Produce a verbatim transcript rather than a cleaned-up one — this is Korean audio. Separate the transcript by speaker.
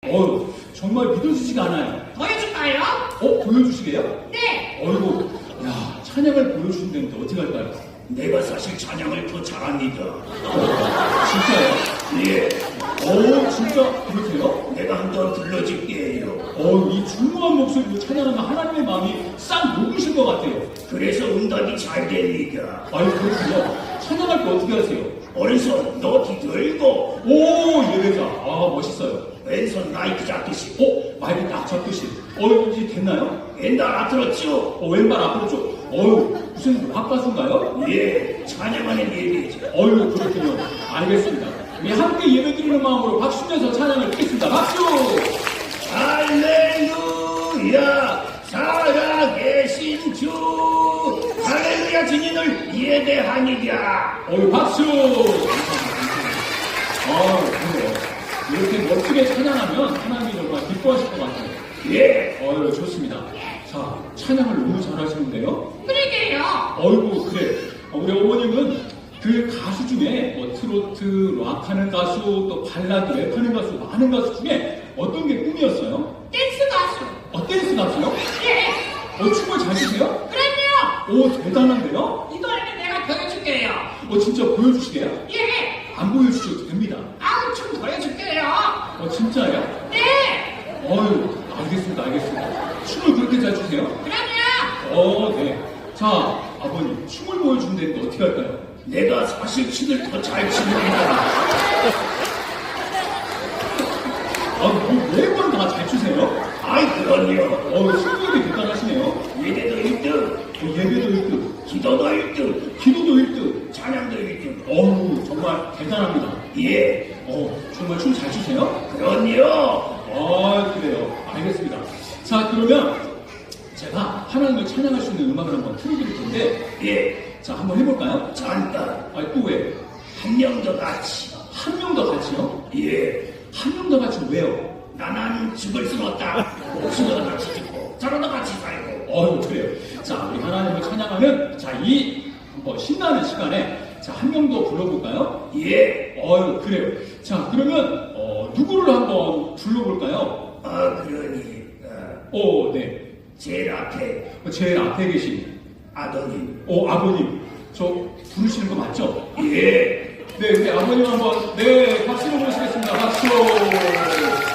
Speaker 1: 어휴, 정말 믿어지지가 않아요.
Speaker 2: 보여줄까요?
Speaker 1: 어? 보여주시게요?
Speaker 2: 네.
Speaker 1: 어이구, 야, 찬양을 보여주신다는데 어떻게 할까요?
Speaker 3: 내가 사실 찬양을 더 잘합니다.
Speaker 1: 진짜요?
Speaker 3: 예,
Speaker 1: 어, 진짜 그러세요?
Speaker 3: 내가 한 번 불러줄게요.
Speaker 1: 어, 이 중후한 목소리로 찬양하는 하나님의 마음이 싹 녹으신 것 같아요.
Speaker 3: 그래서 응답이 잘 됩니다.
Speaker 1: 아유, 그렇군요. 찬양할 때 어떻게 하세요?
Speaker 3: 오른손 높이 들고
Speaker 1: 오, 예배자. 아, 멋있어요.
Speaker 3: 왼손 마이크 잡듯이.
Speaker 1: 어, 마이크 딱 잡듯이. 어, 이제 됐나요?
Speaker 3: 옛날 앞들었죠?
Speaker 1: 어, 왼발 앞으로 쭉. 어유, 무슨 락 가수인가요?
Speaker 3: 예, 찬양하는 예배죠.
Speaker 1: 어유, 그렇군요. 알겠습니다. 우리 함께 예배 드리는 마음으로 박수 내서 찬양을 드리겠습니다. 박수!
Speaker 3: 할렐루야, 살아계신 주. 할렐루야, 주님을 예배하니라.
Speaker 1: 어유, 박수! 아, 그래요. 이렇게 멋지게 찬양하면 하나님이 정말 기뻐하실 것 같아요.
Speaker 3: 예,
Speaker 1: 어유, 좋습니다. 자, 찬양을 너무 잘하시는데요?
Speaker 2: 그러게요.
Speaker 1: 어이구, 그래. 우리 어머님은 그 가수 중에 뭐 트로트, 락하는 가수, 또 발라드, 랩하는 가수, 많은 가수 중에 어떤 게 꿈이었어요?
Speaker 2: 댄스 가수.
Speaker 1: 어, 댄스 가수요?
Speaker 2: 예.
Speaker 1: 어, 춤을 잘 추세요?
Speaker 2: 그럼요.
Speaker 1: 오, 대단한데요?
Speaker 2: 이 노래는 내가 보여줄게요.
Speaker 1: 어, 진짜 보여주시게요?
Speaker 2: 예.
Speaker 1: 안 보여주셔도 됩니다.
Speaker 2: 아우, 춤 보여줄게요.
Speaker 1: 어, 진짜요?
Speaker 2: 네.
Speaker 1: 어유, 알겠습니다, 알겠습니다. 춤을 그렇게 잘 추세요?
Speaker 2: 그럼요.
Speaker 1: 어, 네. 자, 아버님, 춤을 보여준다는데 어떻게 할까요?
Speaker 3: 내가 사실 춤을 더 잘 춥니다.
Speaker 1: 아, 뭐 매번 다 잘 추세요?
Speaker 3: 아이, 그럼요.
Speaker 1: 어, 실력이 대단하시네요.
Speaker 3: 예배도 일 등,
Speaker 1: 어, 예배도 일 등,
Speaker 3: 기도도 일 등,
Speaker 1: 기도도 일 등.
Speaker 3: 찬양도 일 등.
Speaker 1: 어우, 정말 대단합니다.
Speaker 3: 예,
Speaker 1: 어, 정말 춤 잘 추세요?
Speaker 3: 그럼요.
Speaker 1: 아, 그래요. 알겠습니다. 자, 그러면 제가 하나님을 찬양할 수 있는 음악을 한번 틀어드릴 텐데,
Speaker 3: 예,
Speaker 1: 자, 한번 해볼까요?
Speaker 3: 잠깐
Speaker 1: 아, 또 왜?
Speaker 3: 한 명 더 같이.
Speaker 1: 한 명 더 같이요?
Speaker 3: 예,
Speaker 1: 한 명 더 같이 왜요?
Speaker 3: 나는 죽을 순 없다. 목숨도 같이 죽고 저러다 같이 살고.
Speaker 1: 어휴, 그래요. 자, 우리 하나님을 찬양하는, 자, 이 한번 신나는 시간에, 자, 한 명 더 불러볼까요?
Speaker 3: 예,
Speaker 1: 어휴, 그래요. 자, 그러면, 어, 누구를 한번 불러볼까요?
Speaker 3: 아 그러니 어,
Speaker 1: 오, 네.
Speaker 3: 제일 앞에
Speaker 1: 제일 앞에 계신,
Speaker 3: 아버님.
Speaker 1: 오, 아버님. 저 부르시는 거 맞죠?
Speaker 3: 예,
Speaker 1: 네, 네, 아버님 한번, 네, 박수로 모시겠습니다. 박수!